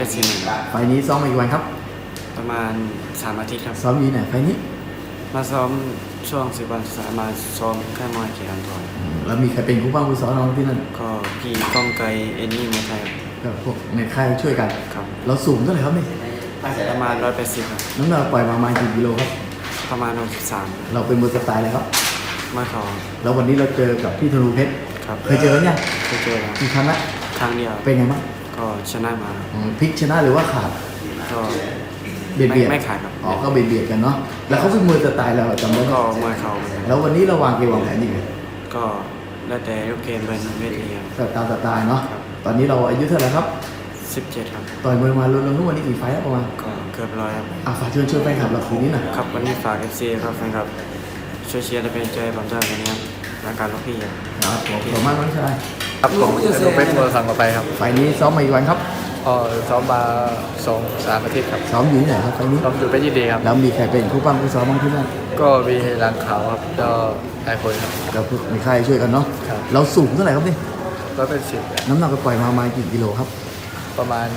ไฟล์นี้ซ้อมมากี่วันครับประมาณ3 อาทิตย์ครับซ้อมอยู่ไหนไฟล์นี้มาซ้อมช่วง10 วันสุดท้ายมาซ้อมแค่มวยเขียนทอยแล้วมีใครเป็นผู้บ้างผู้สอนน้องที่นั่นก็พี่ก้องไกรเอ็นนี่มวยไทยก็พวกในค่ายช่วยกันครับเราสูงเท่าไหร่ครับนี่ประมาณ180ครับน้ำหนักปล่อยประมาณกี่กิโลครับประมาณ63 เราเป็นมวยสไตล์อะไรครับมาเขาแล้ววันนี้เราเจอกับพี่ธนูเพชรครับเคยเจอแล้วเนี่ยเคยเจอแล้วกี่ครั้งละครั้งเดียวเป็นไงบ้างก็ชนะมาพลิกชนะหรือว่าขาดก็เบียดไม่ขาดครับก็เบียดกันเนาะแล้วเขาเป็นมวยสไตล์เราจำได้ก็มวยเขาแล้ววันนี้เราวางเกมวางแผนยังไงก็แล้วแต่ลูกเกมเป็นเวทีครับตามสไตล์เนาะตอนนี้เราอายุเท่าไหร่ครับ 17ครับต่อยมวยมารวมๆทุกวันนี้กี่ไฟล์ประมาณก็เกือบ100ครับฝากเชิญแฟนคลับเราคืนนี้หน่อยครับวันนี้ฝาก FC ครับแฟนคลับช่วยเชียร์และเป็นใจผมด้วยวันนี้ครับรายการลูกพี่ครับขอบคุณมากน้องชายครับผมจะดูเป็นตัวสั่งต่อไปครับไฟนี้ซ้อมมาอีกวันครับซ้อมมา2-3 อาทิตย์ครับซ้อมอยู่ที่ไหนครับไฟนี้ซ้อมอยู่เป็นยินดีครับแล้วมีใครเป็นผู้ปั้มผู้ซ้อมบ้างที่นั่นก็มีหลังขาวครับก็ไอคนครับเรามีใครช่วยกันเนาะเราสูงเท่าไหร่ครับนี่ 180 น้ำหนักก็ปล่อยมากี่กิโลครับประมาณ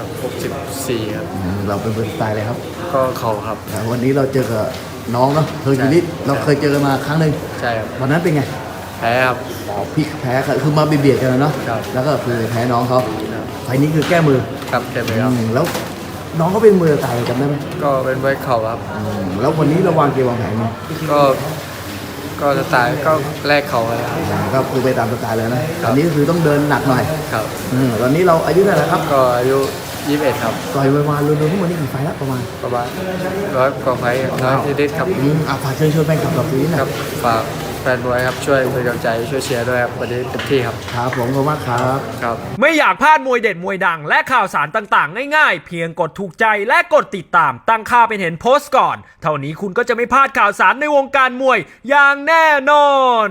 64ครับเราเป็นสไตล์อะไรครับก็เข่าครับวันนี้เราเจอกับน้องเนาะเฮอร์คิวลิสเราเคยเจอกันมาครั้งหนึ่งใช่ครับวันนั้นเป็นไงแพ้ครับพี่แพ้คือมาเบียดกันเนาะแล้วก็คือแพ้น้องเขาไฟนี้คือแก้มือครับแก้มือครับแล้วน้องเขาเป็นมือตายจำได้ไหมก็เป็นไว้เข่าครับแล้ววันนี้เราวางเกมวางแผนไงก็สไตล์ก็แลกเข่าเลยก็คือไปตามสไตล์เลยนะตอนนี้คือต้องเดินหนักหน่อยครับตอนนี้เราอายุเท่าไหร่ครับก็อายุ21ครับต่อยมารวมๆทุกวันนี้กี่ไฟแล้วประมาณ 100 กว่าไฟนิดๆครับฝากเชิญแฟนคลับเราคืนนี้นะครับฝากแฟนบอยครับช่วยเป็นกำลังใจช่วยเชียร์ด้วยครับวันนี้เต็มที่ครับครับผมขอบคุณมากครับไม่อยากพลาดมวยเด็ดมวยดังและข่าวสารต่างๆง่ายๆเพียงกดถูกใจและกดติดตามตั้งค่าเป็นเห็นโพสต์ก่อนเท่านี้คุณก็จะไม่พลาดข่าวสารในวงการมวยอย่างแน่นอน